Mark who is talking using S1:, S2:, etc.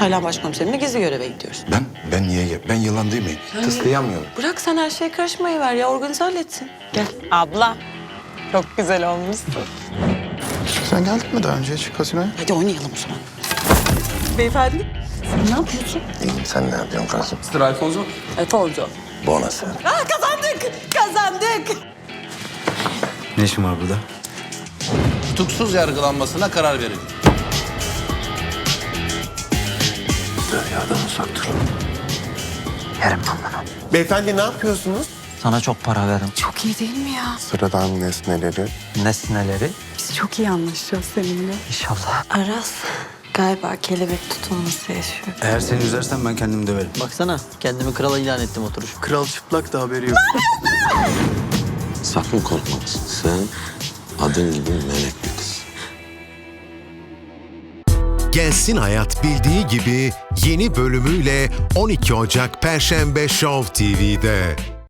S1: Taylan başkomiserimle gizli göreve gidiyoruz.
S2: Ben niye? Ben yılan değil miyim? Tıslayamıyorum.
S1: Bırak sen her şeye karışmayı ver ya. Organize halletsin. Gel. Abla. Çok güzel olmuşsun.
S3: Sen geldin mi daha önce hiç kasinoya?
S1: Hadi oynayalım o zaman. Beyefendi. Sen ne yapıyorsun?
S2: İyiyim, sen ne yapıyorsun kızım?
S1: Alfonso.
S2: Bonası.
S1: Kazandık. Kazandık.
S4: Ne işin var burada?
S5: Tutuksuz yargılanmasına karar verildi.
S2: Derya'dan uzak durun.
S6: Beyefendi ne yapıyorsunuz?
S4: Sana çok para veririm.
S7: Çok iyi değil mi ya?
S6: Sıradan nesneleri.
S4: Nesneleri
S7: Biz çok iyi anlaşacağız seninle.
S4: inşallah.
S8: Aras galiba kelebek tutulması yaşıyor.
S4: Eğer seni üzersen ben kendimi döverim.
S9: Baksana kendimi krala ilan ettim oturuş.
S3: Kral çıplak da haberi yok.
S10: Sakın korkmalısın. Sen adın gibi melek bir kız.
S11: Gelsin Hayat bildiği gibi yeni bölümüyle 12 Ocak Perşembe Show TV'de.